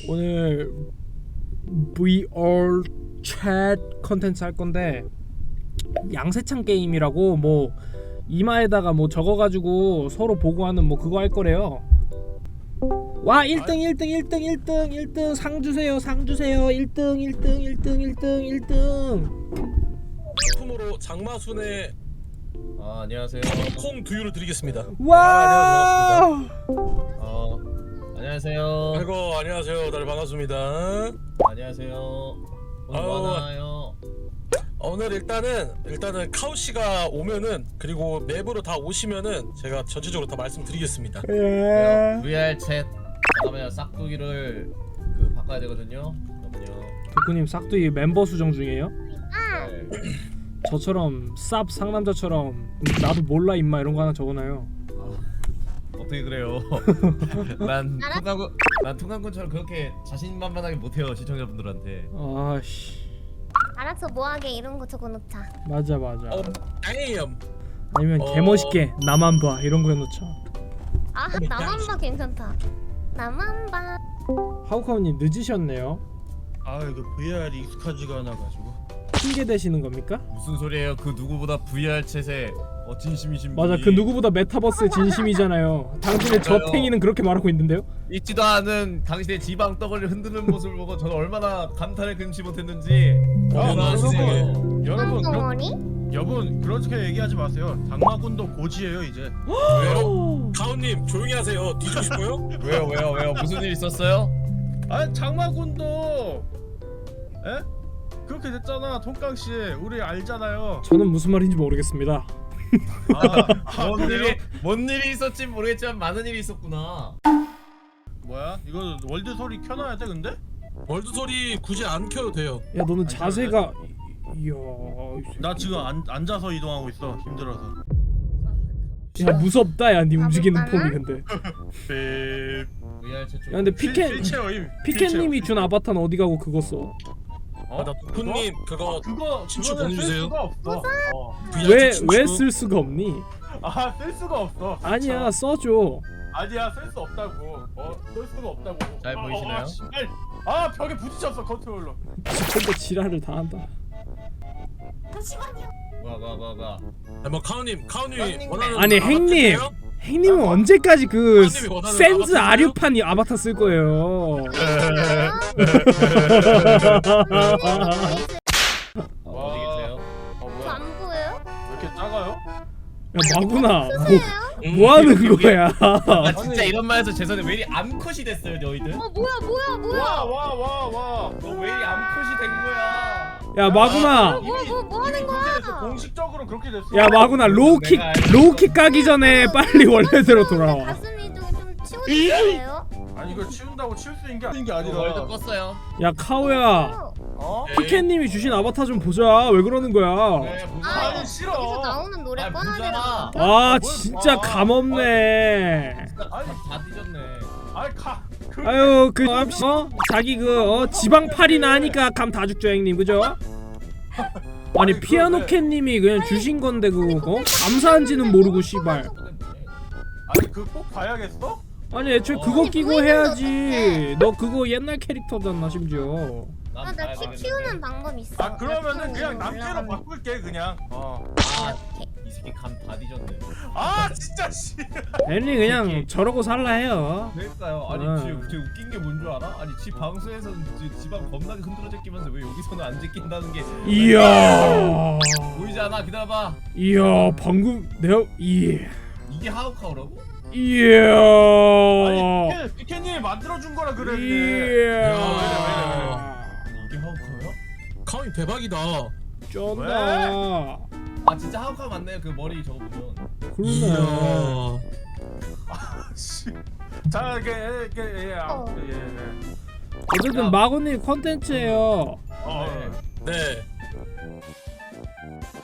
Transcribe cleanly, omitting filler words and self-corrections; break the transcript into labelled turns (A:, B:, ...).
A: 오늘 VR chat 컨텐츠 할 건데 양세찬 게임이라고 뭐 이마에다가 뭐 적어가지고 서로 보고하는 뭐 그거 할 거래요. 와 1등 1등 1등 1등 1등 상 주세요 상 주세요 1등 1등 1등 1등 1등
B: 품으로 장마순의
C: 안녕하세요.
B: 콩 두유를 드리겠습니다.
A: 와
C: 안녕하세요.
B: 아이고 안녕하세요. 다들 반갑습니다.
C: 안녕하세요. 오늘
B: 아유.
C: 뭐 하나요?
B: 오늘 일단은 카우 씨가 오면은 그리고 맵으로 다 오시면은 제가 전체적으로 다 말씀드리겠습니다.
A: 예.
C: VR 챗 잠깐만요. 싹두기를 바꿔야 되거든요. 잠깐만요.
A: 백구님 싹두이 멤버 수정 중이에요?
C: 네.
A: 저처럼 쌉 상남자처럼 나도 몰라 임마 이런 거 하나 적어놔요.
C: 어떻게 그래요? 난 통강군처럼 그렇게 자신만만하게 못해요 시청자분들한테.
A: 아씨
D: 알았어, 뭐하게 이런 거 적어놓자.
A: 맞아
B: damn.
A: 아니면 개멋있게 나만 봐 이런 거 해놓자.
D: 아, 나만 봐 괜찮다. 나만 봐.
A: 하우카우님 늦으셨네요.
E: 아 이거 VR이 익숙하지가 않아가지고.
A: 핑계 대시는 겁니까?
C: 무슨 소리예요? 그 누구보다 VR 챗에 진심이신 분이.
A: 맞아 그 누구보다 메타버스의 진심이잖아요. 당신의 저
C: 맞아요.
A: 팽이는 그렇게 말하고 있는데요?
C: 있지도 않은 당신의 지방 떡을 흔드는 모습을 보고 저는 얼마나 감탄을 금치 못했는지.
E: 여러분
D: 덩어리?
E: 여러분 그렇게 얘기하지 마세요. 장마군도 고지예요 이제.
B: 왜요? 카우님 조용히 하세요. 뒤지고 싶어요?
C: 왜요? 무슨 일 있었어요?
E: 아 장마군도 에? 그렇게 됐잖아 통깡씨. 우리 알잖아요.
A: 저는 무슨 말인지 모르겠습니다.
C: 뭔 일이 있었지 모르겠지만 많은 일이 있었구나.
E: 뭐야? 이거 월드 소리 켜놔야 돼 근데?
B: 월드 소리 굳이 안 켜도 돼요.
A: 야 너는
E: 아니,
A: 자세가 이야
E: 나 지금 앉아서 이동하고 있어. 힘들어서.
A: 야 무섭다 야 니 움직이는
D: 가볼까나?
A: 폼이 근데.
C: VR 챗 좀.
A: 야 근데 피켄님이 준 아바타는 어디 가고 그거 써?
B: 나 두쿠님 그거
E: 그거
B: 친추
E: 그거는 쓸
B: 보내주세요.
E: 수가 없어.
A: 왜 쓸 수가 없니?
E: 아쓸 수가 없어.
A: 아니야 써줘.
E: 아니야 쓸 수 없다고. 쓸 수가 없다고.
C: 잘 보이시나요?
E: 씨발. 아 벽에 부딪혔어 컨트롤러.
A: 근데 지랄을 다 한다.
C: 가.
B: 뭐 카우님이
C: 카우님.
B: 원하는
A: 아니,
B: 아바타
A: 행님.
B: 있어요?
A: 행님은 언제까지 그
B: 형님이 원하는
A: 센즈
B: 아바타인가요?
A: 아류판 아바타 쓸 거예요?
C: 어디 계세요?
E: 뭐야?
D: 안 보여요?
E: 왜 이렇게 작아요?
A: 야 마구나 뭐
B: 음,
A: 하는 거야?
C: 아 진짜 이런 말해서 죄송한데 왜 이리 암컷이 됐어요 너희들?
D: 뭐야?
E: 와.
C: 너 왜 이리 암컷이 된 거야?
A: 야 마구나
D: 뭐 하는 거야?
E: 공식적으로 그렇게 됐어.
A: 야 마구나 로우킥 까기 전에 빨리 원래대로 돌아와.
D: 가슴이 좀 치워주세요.
E: 아니 이걸 치운다고 치울 수 있는 게
C: 월드
E: 아니라.
C: 껐어요.
A: 야 카오야
E: 어?
A: 피켄님이 주신 아바타 좀 보자. 왜 그러는 거야?
C: 네 보자.
E: 아니
D: 여기서
E: 싫어.
D: 나오는 노래
C: 아,
D: 꺼놔야
C: 보잖아.
D: 되나?
A: 아 진짜 감없네.
C: 다 뒤졌네.
E: 아니 가.
A: 아유 자기 지방팔이나 하니까 감 다 죽죠 형님 그죠? 아니 피아노캣님이 그냥 주신 건데 감사한지는 모르고 씨발.
E: 아니 그 꼭 봐야겠어?
A: 아니 애초에 그거 끼고 해야지. 너 그거 옛날 캐릭터잖아 심지어.
D: 나 키 키우는 방법 있어.
E: 아 그러면은 그냥
D: 올라가는
E: 남캐로 바꿀게 그냥.
C: 이 새끼 감 다 뒤졌네.
E: 아 진짜 씨.
A: 앤리 그냥 저러고 살라 해요.
C: 그러니까요. 아니
A: 응.
C: 지금 되게 웃긴 게 뭔 줄 알아? 아니 지 방송에서는 지방 겁나게 흔들어 제끼면서 왜 여기서는 안 제낀다는 게
A: 이야
C: 보이지 않아? 기다려봐.
A: 이야 방금 내가
C: 이게 하우카우라고?
A: 이야
E: 아니 피케님이 만들어준 거라 그래.
A: 이야
C: 이게 하우카우야?
B: 카우님 대박이다.
A: 쩐다.
C: 아 진짜 하우카우 맞네요. 그 머리 저거 보면.
A: 그러네.
B: 이야.
E: 씨. 자 이게
A: 어쨌든 마고님 컨텐츠예요.
B: 네.